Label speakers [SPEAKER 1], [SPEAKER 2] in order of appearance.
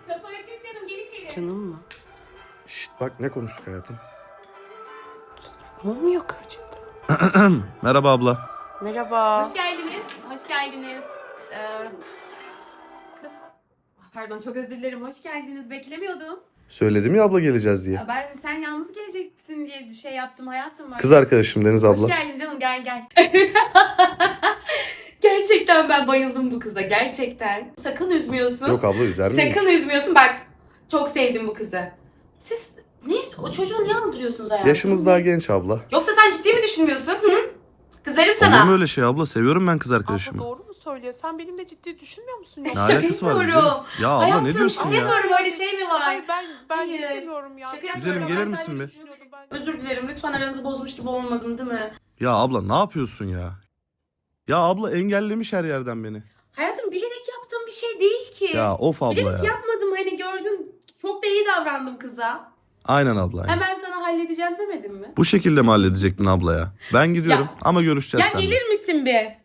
[SPEAKER 1] Kapı açık canım, gel içeri.
[SPEAKER 2] Canım mı?
[SPEAKER 3] Şşt bak ne konuştuk hayatım.
[SPEAKER 2] Olmuyor cidden.
[SPEAKER 3] Merhaba abla.
[SPEAKER 2] Merhaba.
[SPEAKER 1] Hoş geldiniz. Hoş geldiniz. Kız. Pardon, çok özür dilerim. Hoş geldiniz. Beklemiyordum.
[SPEAKER 3] Söyledim ya abla geleceğiz diye.
[SPEAKER 1] Ben sen yalnız geleceksin diye bir şey yaptım hayatım. Var.
[SPEAKER 3] Kız arkadaşım Deniz abla.
[SPEAKER 1] Hoş geldin canım, gel. Gerçekten ben bayıldım bu kıza. Gerçekten. Sakın üzmüyorsun.
[SPEAKER 3] Yok abla üzer miyim?
[SPEAKER 1] Sakın üzmüyorsun. Bak, çok sevdim bu kızı. Siz o çocuğu niye aldırıyorsunuz hayatım?
[SPEAKER 3] Yaşımız daha genç abla.
[SPEAKER 1] Yoksa sen ciddi mi düşünmüyorsun? Hı? Kızarım sana.
[SPEAKER 3] Olur mu öyle şey abla? Seviyorum ben kız
[SPEAKER 2] Abla
[SPEAKER 3] arkadaşımı.
[SPEAKER 2] doğru mu söylüyor? Sen benimle ciddi düşünmüyor musun?
[SPEAKER 3] Ne
[SPEAKER 2] Yoksa?
[SPEAKER 1] Şaka
[SPEAKER 3] alakası var
[SPEAKER 1] yapıyorum.
[SPEAKER 3] güzelim? Ya abla
[SPEAKER 1] Hayatım,
[SPEAKER 3] ne diyorsun
[SPEAKER 1] şaka
[SPEAKER 3] ya?
[SPEAKER 1] yapıyorum, öyle şey mi var?
[SPEAKER 2] Hayır ben
[SPEAKER 1] Hayır.
[SPEAKER 2] istemiyorum ya.
[SPEAKER 1] Şaka
[SPEAKER 3] Güzelim,
[SPEAKER 1] yapıyorum.
[SPEAKER 3] gelir
[SPEAKER 1] Ben
[SPEAKER 3] misin
[SPEAKER 1] sadece
[SPEAKER 3] be?
[SPEAKER 1] düşünüyordum ben. Özür dilerim, lütfen aranızı bozmuş gibi olmadım değil mi?
[SPEAKER 3] Ya abla ne yapıyorsun ya? Ya abla engellemiş her yerden beni.
[SPEAKER 1] Hayatım, bilerek yaptığım bir şey değil ki.
[SPEAKER 3] Ya of abla
[SPEAKER 1] Bilerek
[SPEAKER 3] ya.
[SPEAKER 1] yapmadım, hani gördün. Çok da iyi davrandım kıza.
[SPEAKER 3] Aynen abla. aynen.
[SPEAKER 1] Hemen sana halledeceğim demedim mi?
[SPEAKER 3] Bu şekilde mi halledecektin abla ya? Ben gidiyorum
[SPEAKER 1] Ya-
[SPEAKER 3] ama görüşeceğiz
[SPEAKER 1] Ya
[SPEAKER 3] seninle.
[SPEAKER 1] gelir misin bir?